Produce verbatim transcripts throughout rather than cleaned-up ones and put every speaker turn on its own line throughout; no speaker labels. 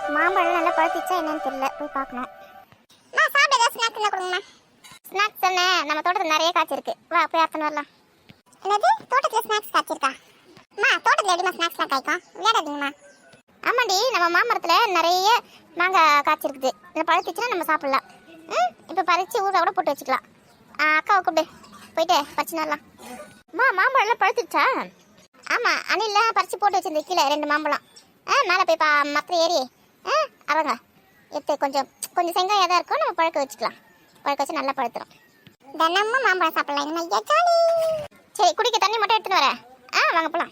மாம்பழம் நல்லா பழுத்திச்சா என்னன்னு தெரியல, போய் பார்க்கணும். நான் சாப்பிட ஏதாவது ஸ்நாக்ஸ் என்ன கொடுங்கண்ணா? ஸ்நாக்ஸ் தானே, நம்ம தோட்டத்தில் நிறைய காய்ச்சிருக்கு, வா போய் அத்தனை வரலாம். என்னது தோட்டத்தில் ஸ்நாக்ஸ் காய்ச்சிருக்கா? அம்மா தோட்டத்தில் எப்படிமா ஸ்நாக்ஸ்லாம் காய்க்கும், விளையாடாதீங்கம்மா. ஆமாண்டி, நம்ம மாமரத்தில் நிறைய மாங்காய் காய்ச்சிருக்குது, இந்த பழுத்திச்சுன்னா நம்ம சாப்பிட்லாம். ம் இப்போ பறித்து ஊற கூட போட்டு வச்சுக்கலாம். அக்காவை கூப்பிடு, போயிட்டு பறிச்சு வரலாம். அம்மா மாம்பழம்லாம் பழுத்துச்சா? ஆமாம், அணிலில் பறித்து போட்டு வச்சிருந்த கீழே ரெண்டு மாம்பழம். ஆ மேலே போய் பா மரத்தில் ஏறி ஆ அவங்க எடுத்து கொஞ்சம் கொஞ்சம் செங்காயாக தான் இருக்கும், நம்ம பழுக்க வச்சுக்கலாம். பழுக்க வச்சு நல்லா பழுத்துரும். தினமும் மாம்பழம் சாப்பிடலாம். என்ன ஐயா ஜாலி. சரி, குடிக்க தண்ணி மட்டும் எடுத்துன்னு வரேன். ஆ வாங்க போகலாம்.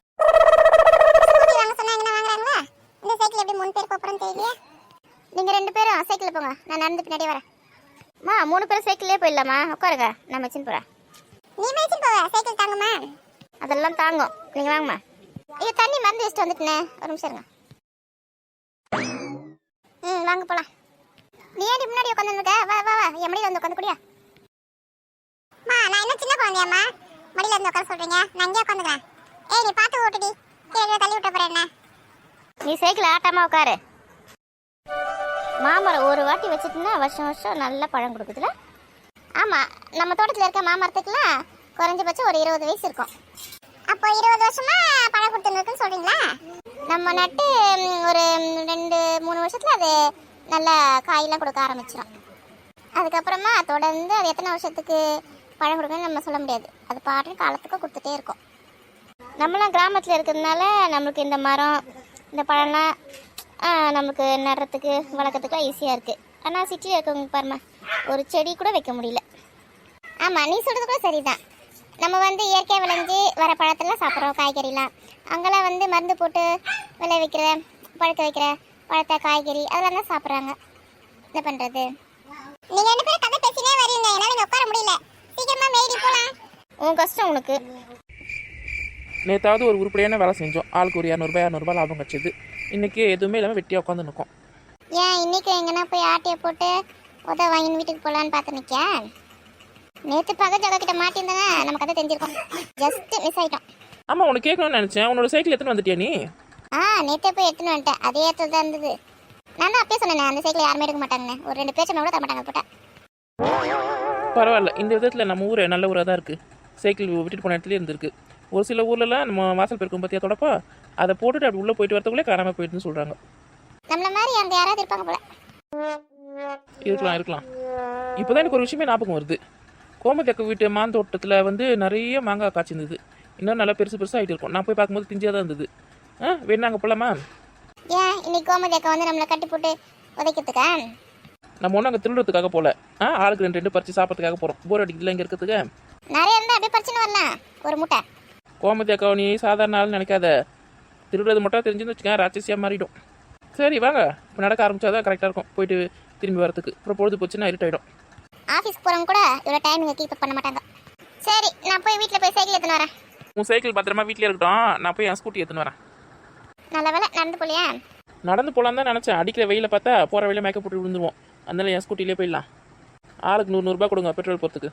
வாங்க சொன்னா எங்கே வாங்குறாங்களா? இந்த சைக்கிள் எப்படி மூணு பேர் போகிறோன்னு தெரியலையே. நீங்கள் ரெண்டு பேரும் சைக்கிளில் போங்க, நான் நடந்து பின்னாடி வரேன். மா மூணு பேரும் சைக்கிள்லேயே போயிடலாமா? உட்காருங்க, நான் வச்சுன்னு போகிறேன். நீ வச்சுன்னு போவ, சைக்கிள் தாங்குமா? அதெல்லாம் தாங்கும், நீங்கள் வாங்கம்மா. ஐயோ தண்ணி மறந்து வச்சுட்டு வந்துட்டுனே, ஒரு நிமிஷம் இருங்க. ம் வாங்க போகலாம். நீ ஏன் முன்னாடி உட்காந்துருக்க? வா வா வா, என் மடியில் வந்து உட்காந்து குடியா. மா நான் என்ன சின்ன குழந்தையாம்மா மடியில் வந்து உட்கார சொல்கிறீங்க? நான் இங்கே உட்காந்துக்கிறேன். ஏய் நீ பார்த்து ஓட்டுடி, கீழே தள்ளி விட்ட போகிறேன். என்ன நீ சைக்கிள் ஆட்டாமல் உட்காரு. மாமரம் ஒரு வாட்டி வச்சுட்டுனா வருஷம் வருஷம் நல்ல பழம் கொடுக்குதுல. ஆமாம், நம்ம தோட்டத்தில் இருக்க மாமரத்துக்குலாம் குறைஞ்சபட்சம் ஒரு இருபது வயசு இருக்கும். அப்போ இருபது வருஷமா பழம் கொடுத்துருக்குன்னு சொல்கிறீங்களா? நம்ம நட்டு ஒரு ரெண்டு மூணு வருஷத்தில் அது நல்லா காயெல்லாம் கொடுக்க ஆரம்பிச்சிடும். அதுக்கப்புறமா தொடர்ந்து அது எத்தனை வருஷத்துக்கு பழம் கொடுக்குன்னு நம்ம சொல்ல முடியாது. அது பாட்டு காலத்துக்கும் கொடுத்துட்டே இருக்கும். நம்மளாம் கிராமத்தில் இருக்கிறதுனால நம்மளுக்கு இந்த மரம் இந்த பழம்லாம் நமக்கு நடுறதுக்கு வளர்க்கறதுக்குலாம் ஈஸியாக இருக்குது. ஆனால் சிட்டியில் இருக்கவங்க பாருமா, ஒரு செடி கூட வைக்க முடியல. ஆமாம், நீ சொல்கிறது கூட சரிதான். நம்ம வந்து இயற்கையாக விளைஞ்சி வர பழத்தெல்லாம் சாப்பிட்றோம், காய்கறிலாம். அங்கெல்லாம் வந்து மருந்து போட்டு விளைவிக்கிற பழுக்க வைக்கிற பழத்தை காய்கறி அதெல்லாம் தான் சாப்பிட்றாங்க. என்ன பண்ணுறது? நீங்கள் ரெண்டு பேரும் கதை பேசினே வரீங்க, என்னால் இங்கே உட்கார முடியல. சீக்கிரமாக மேடி போகலாம். உன் கஷ்டம் உனக்கு.
நேற்றாவது ஒரு உருப்படியான வேலை செஞ்சோம், ஆளுக்கு ஒரு இரநூறுபா இரநூறுபா லாபம் கிடச்சிது. இன்றைக்கி எதுவுமே இல்லாமல் வெட்டியாக உட்காந்து நிற்கும்.
ஏன் இன்னைக்கு எங்கன்னா போய் ஆட்டையை போட்டு உத வாங்கின்னு வீட்டுக்கு போகலான்னு பார்த்து நிற்க? நேற்று பக்கத்து ஜகா கிட்ட மாட்டியிருந்தேன்னா நமக்கு அதை தெரிஞ்சிருக்கோம். ஜஸ்ட் மிஸ் ஆகிட்டோம்.
ஆமாம், உனக்கு கேட்கணும்னு நினச்சேன். உன்னோட சைக்கிள் எடுத்துன்னு வந்துட்டியா நீ?
ஆ நேற்றே போய் எடுத்துன்னு வந்துட்டேன். அதே இடத்துல தான் இருந்தது. நான் தான் அப்பயே சொன்னேன், அந்த சைக்கிள் யாருமே எடுக்க மாட்டாங்கன்னு. ஒரு ரெண்டு பேர் சொன்ன கூட தர மாட்டாங்க போட்டேன்.
பரவாயில்ல, இந்த விதத்தில் நம்ம ஊர் நல்ல ஊராக தான் இருக்குது. சைக்கிள் விட்டுட்டு போன இடத்துலேயே இருந்திருக்கு. ஒரு சில ஊர்லலாம் நம்ம வாசல் பெருக்கும் பற்றியா தொடப்பா அதை போட்டுட்டு அப்படி உள்ளே போயிட்டு வரதுக்குள்ளே காணாமல் போயிட்டுன்னு சொல்கிறாங்க.
நம்மள மாதிரி அங்கே யாராவது இருப்பாங்க போல.
இருக்கலாம் இருக்கலாம். இப்போ தான் எனக்கு ஒரு விஷயமே ஞாபகம் வருது. கோமத்தக்க வீட்டு மாந்தோட்டத்தில் வந்து நிறைய மாங்காய் காய்ச்சிருந்தது. இன்னும் நல்லா பெருசு பெருசாக ஆகிட்டு இருக்கும். நான் போய் பார்க்கும்போது திஞ்சியாக தான் இருந்தது. ஆ வேணா அங்கே போகலாமா?
ஏன் இன்னைக்கு கோமதி அக்கா வந்து நம்மளை கட்டி போட்டு உதைக்கிறதுக்கா?
நம்ம ஒன்றும் அங்கே திருடுறதுக்காக போகல. ஆ ஆளுக்கு ரெண்டு ரெண்டு பறித்து சாப்பிட்றதுக்காக போகிறோம். போர் அடிக்கல இங்கே இருக்கிறதுக்கு.
நிறைய இருந்தால் அப்படியே பறிச்சுன்னு வரலாம் ஒரு மூட்டை.
கோமதி அக்கா நீ சாதாரண ஆள் நினைக்காத. திருடுறது மட்டும் தெரிஞ்சுன்னு வச்சுக்கேன், ராட்சசியாக மாறிடும். சரி வாங்க, இப்போ நடக்க ஆரம்பித்தா தான் கரெக்டாக இருக்கும் போயிட்டு திரும்பி வரதுக்கு. அப்புறம் பொழுது போச்சுன்னா இருட்டாயிடும்.
ஆஃபீஸ்க்கு போகிறவங்க கூட இவ்வளோ டைமிங்க கீப் பண்ண மாட்டாங்க. சரி நான் போய் வீட்டில் போய் சைக்கிள் எடுத்துன்னு வரேன்.
உன் சைக்கிள் பத்திரமா வீட்டிலே இருக்கட்டும், நான் போய் என் ஸ்கூட்டி எடுத்துன்னு வரேன்.
நல்ல வேலை நடந்து போலியா?
நடந்து போகலான்னு தான் நினச்சேன். அடிக்கிற வெயில பார்த்தா போகிற வெயில மேக்கப் போட்டு விழுந்துருவோம். அதனால என் ஸ்கூட்டிலே போயிடலாம். ஆளுக்கு நூறு நூறுரூபா கொடுங்க பெட்ரோல் போகிறதுக்கு.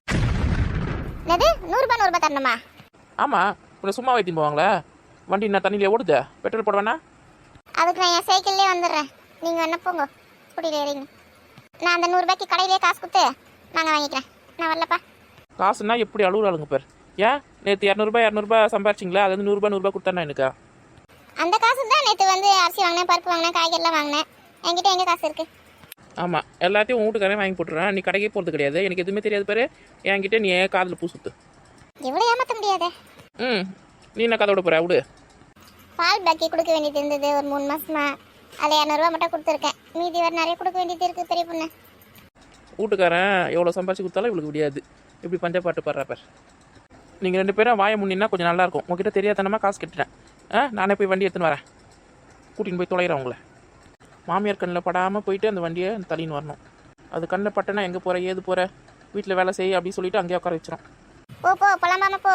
என்னது நூறுரூபா நூறுரூபா தரணுமா?
ஆமாம், உன்னை சும்மா வைத்தின்னு போவாங்களே. வண்டி நான் தண்ணியிலே ஓடுது, பெட்ரோல் போட வேணா?
அதுக்கு நான் என் சைக்கிள்லேயே வந்துடுறேன். நீங்கள் என்ன போங்க, ஸ்கூட்டியில் ஏறிங்க. நான் அந்த நூறுரூபாய்க்கு கடையிலே காசு கொடுத்து நாங்கள் வாங்கிக்கிறேன். நான் வரலப்பா.
காசுன்னா எப்படி அழுகுறாளுங்க பேர். ஏன் நேற்று இரநூறுபா இரநூறுபா சம்பாரிச்சிங்களா? அது வந்து நூறுரூபா நூறுரூபா கொடுத்தாண்ணா எனக்கு.
அந்த காசு தான் நேற்று வந்து அரிசி வாங்கினேன், பருப்பு வாங்கினேன், காய்கறிலாம் வாங்கினேன். என்கிட்ட எங்கே காசு இருக்குது?
ஆமாம், எல்லாத்தையும் உன் வீட்டுக்காரே வாங்கி போட்டுறேன். நீ கடைக்கே போகிறது கிடையாது, எனக்கு எதுவுமே தெரியாது பாரு. என்கிட்ட நீ ஏன் காதில் பூ சுத்து.
எவ்வளோ ஏமாற்ற முடியாதே.
ம் நீ என்ன கதை விட போகிற? விடு.
பால் பாக்கி கொடுக்க வேண்டியது இருந்தது ஒரு மூணு மாசமா. அதில் இரநூறுவா மட்டும் கொடுத்துருக்கேன். மீதி வேறு நிறைய கொடுக்க வேண்டியது இருக்குது பெரிய பொண்ணு.
வீட்டுக்காரன் எவ்வளோ சம்பாரிச்சு கொடுத்தாலும் இவளுக்கு முடியாது. இப்படி பஞ்சா பாட்டு பாடுறா பார். நீங்கள் ரெண்டு பேரும் வாய முன்னின்னா கொஞ்சம் நல்லாயிருக்கும். உங்ககிட்ட தெரியாதனமாக காசு கட்டுறேன். ஆ நானே போய் வண்டி எடுத்துன்னு வரேன். கூட்டின்னு போய் தொலைகிறேன் உங்களை. மாமியார் கண்ணில் படாமல் போயிட்டு அந்த வண்டியை தள்ளின்னு வரணும். அது கண்ணில் பட்டனா எங்கே போகிற ஏது போகிற வீட்டில் வேலை செய்ய அப்படின்னு சொல்லிட்டு அங்கேயே உட்கார வச்சிடும்.
போ போ போலாமா போ.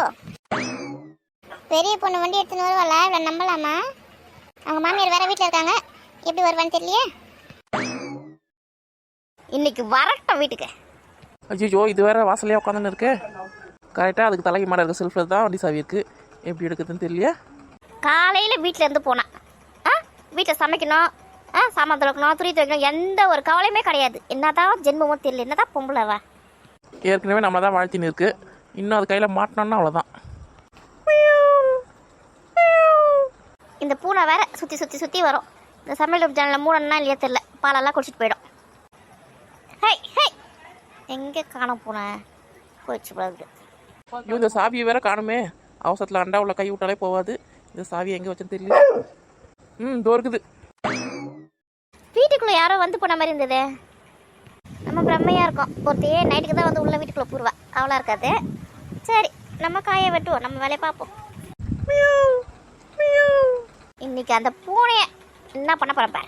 பெரிய பொண்ணு வண்டி எடுத்துன்னு வருவாளா? இவ்வளோ நம்பலாமா? அவங்க மாமியார் வேற வீட்டில் இருக்காங்க, எப்படி வருவான்னு தெரியலையே. இன்னைக்கு வரட்டும் வீட்டுக்கு.
ஐயோ இது வேற வாசலையாக உட்காந்துன்னு இருக்கு. கரெக்டாக அதுக்கு தலைக்கு மாட இருக்க செல்ஃபில் தான் வண்டி சாவி இருக்குது. எப்படி எடுக்குதுன்னு தெரியல.
காலையில் வீட்டில் இருந்து போனேன். ஆ வீட்டில் சமைக்கணும், ஆ சாமான் துளக்கணும் துணி துவைக்கணும் எந்த ஒரு கவலையுமே கிடையாது. என்னதான் ஜென்மமோ தெரியல, என்னதான் பொம்பளைவா.
ஏற்கனவே நம்மளை தான் வாழ்த்தின்னு இருக்கு, இன்னும் அது கையில் மாட்டினோன்னா அவ்வளோதான்.
இந்த பூனை வேற சுற்றி சுற்றி சுற்றி வரும். இந்த சமையல் ஜன்னலில் மூடனா இல்லையா தெரியல, பாலெல்லாம் குடிச்சிட்டு போயிடும். ஹை ஹை எங்கே காணோம் பூனை போயிடுச்சு போகுது.
ஐயோ இந்த சாவியை வேற காணுமே, அவசரத்தில் அண்டா உள்ள கை விட்டாலே போகாது. இந்த சாவியை எங்கே வச்சுன்னு தெரியல. ம் இதோ இருக்குது.
வீட்டுக்குள்ளே யாரோ வந்து போன மாதிரி இருந்தது. நம்ம பிரம்மையாக இருக்கோம். ஒருத்தையே நைட்டுக்கு தான் வந்து உள்ள வீட்டுக்குள்ளே பூர்வா, அவ்வளோ இருக்காது. சரி நம்ம காயை வெட்டுவோம், நம்ம வேலையை பார்ப்போம். இன்னைக்கு அந்த பூனைய என்ன பண்ண போறேன்.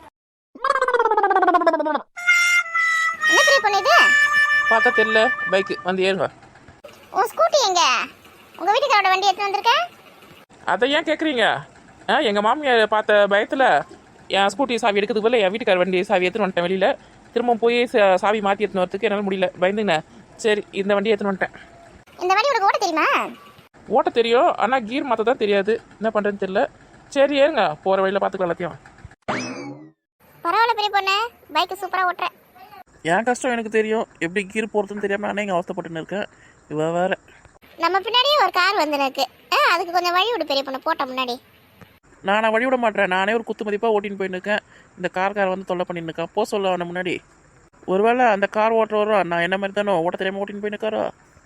என்ன பெரிய பொண்ணு இது?
பார்த்தா தெரியல, பைக்கு வந்து ஏறுங்க.
உன் ஸ்கூட்டி எங்க? உங்க வீட்டுக்காரோட வண்டி எடுத்து வந்திருக்க?
அதை ஏன் கேட்குறீங்க? ஆ எங்கள் மாமியார் பார்த்த பயத்தில் என் ஸ்கூட்டி சாவி எடுக்கிறதுக்கு பதில் என் வீட்டுக்கார வண்டி சாவி எடுத்துன்னு வந்துட்டேன் வெளியில். திரும்ப போய் சாவி மாற்றி எடுத்துன்னு வரதுக்கு என்னால் முடியல, பயந்துங்கண்ணே. சரி இந்த வண்டி எடுத்துன்னு வந்துட்டேன்.
இந்த வண்டி உனக்கு ஓட்ட தெரியுமா?
ஓட்ட தெரியும், ஆனால் கீர் மாற்ற தான் தெரியாது. என்ன பண்ணுறதுன்னு தெரியல. சரி ஏறுங்க, போகிற வழியில் பார்த்துக்கலாம் எல்லாத்தையும்.
பரவாயில்ல பெரிய பொண்ணு, பைக்கு சூப்பராக ஓட்டுறேன்.
என் கஷ்டம் எனக்கு தெரியும், எப்படி கீர் போகிறதுன்னு தெரியாமல் நானே இங்கே அவஸ்தைப்பட்டுன்னு இருக்கேன். இவ வேற.
நம்ம பின்னாடியே ஒரு கார் வந்து இருக்கு. ஆ அதுக்கு கொஞ்சம் வழி விடு பெரிய பொண்ணு, போட்ட முன்னாடி.
நான் நான் வழி விட மாட்டேன், நானே ஒரு குத்து மதிப்பாக ஓட்டின்னு போயின்னு இருக்கேன். இந்த கார்கார் வந்து தொல்லை பண்ணின்னு இருக்கேன். போ சொல்ல அவனை முன்னாடி. ஒருவேளை அந்த கார் ஓட்டுறவரோ நான் என்ன மாதிரி தானோ ஓட்ட தெரியாமல் ஓட்டின்னு போயின்னு இருக்காரோ.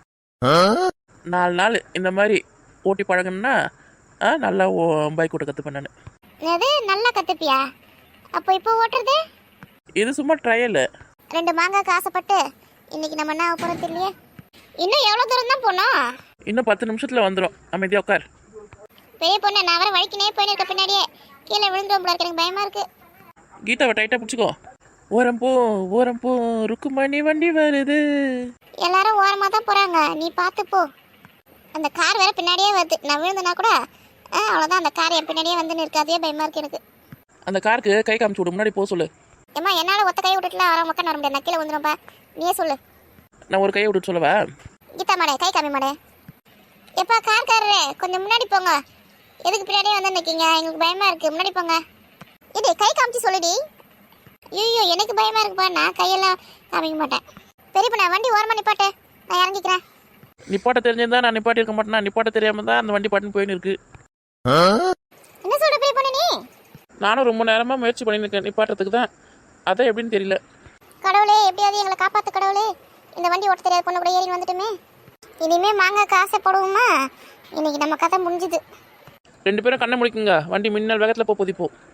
நாலு நாள் இந்த மாதிரி ஓட்டி பழகணுன்னா நல்லா பைக் ஓட்ட கற்றுப்பேன் நான்.
அது நல்லா கற்றுப்பியா? அப்போ இப்போ ஓட்டுறது
இது சும்மா ட்ரையல்.
ரெண்டு மாங்காய்க்கு ஆசைப்பட்டு இன்னைக்கு நம்ம என்ன போகிறது இல்லையே. இன்னும் எவ்வளோ தூரம் தான் போனோம்?
இன்னும் பத்து நிமிஷத்தில் வந்துடும். அமைதியாக உட்கார்.
பெரிய பொண்ணு நான் வர வழிக்கினே போயின்னு இருக்க, பின்னாடியே கீழே விழுந்துடும் போல இருக்கு, எனக்கு பயமாக இருக்கு.
கீதாவை டைட்டாக பிடிச்சிக்கோ. ஓரம் போ ஓரம் போ ருக்குமணி வண்டி வருது.
எல்லாரும் ஓரமாக தான் போகிறாங்க, நீ பார்த்து போ. அந்த கார் வேற பின்னாடியே வருது, நான் விழுந்தனா கூட ஆ அவ்வளோதான், அந்த கார் என் பின்னாடியே வந்துன்னு இருக்கு, அதே பயமாக இருக்கு எனக்கு.
அந்த காருக்கு கை காமிச்சு விடு, முன்னாடி போக சொல்லு.
ஏம்மா என்னால் ஒத்த கை விட்டுட்டுலாம் வர மக்கள் வர முடியாது, நான் கீழே வந்துடும்ப்பா, நீயே சொல்லு.
நான் ஒரு கையை விட்டு சொல்லவா?
கீதா மாடே கை காமி மாடே. எப்பா கார் காரரே கொஞ்சம் முன்னாடி போங்க, எதுக்கு பின்னாடியே வந்து நிற்கீங்க, எங்களுக்கு பயமாக இருக்குது, முன்னாடி போங்க. இது கை காமிச்சு சொல்லுடி. ஐயோ எனக்கு பயமாக இருக்குப்பா, நான் கையெல்லாம் காமிக்க மாட்டேன். பெரியப்பா நான் வண்டி ஓரமாக நிப்பாட்டு, நான் இறங்கிக்கிறேன்.
நிப்பாட்ட தெரிஞ்சிருந்தா நான் நிப்பாட்டி இருக்க மாட்டேனா? நிப்பாட்ட தெரியாம தான் அந்த வண்டி பாட்டுன்னு போயின்னு இருக்கு.
என்ன சொல்ற பெரிய பொண்ணு நீ?
நானும் ரொம்ப நேரமா முயற்சி பண்ணிட்டு இருக்கேன் நிப்பாட்டுறதுக்கு தான், அதான் எப்படின்னு தெரியல.
கடவுளே எப்படியாவது எங்களை காப்பாத்து கடவுளே, இந்த வண்டி ஓட்ட தெரியாத பொண்ணு கூட ஏறி வந்துட்டுமே. இனிமே மாங்காய்க்கு ஆசைப்படுவோமா? இன்னைக்கு நம்ம கதை முடிஞ்சுது.
ரெண்டு பேரும் கண்ணை முடிக்குங்க, வண்டி மின்னல் வேகத்தில் போ போதிப்போம்.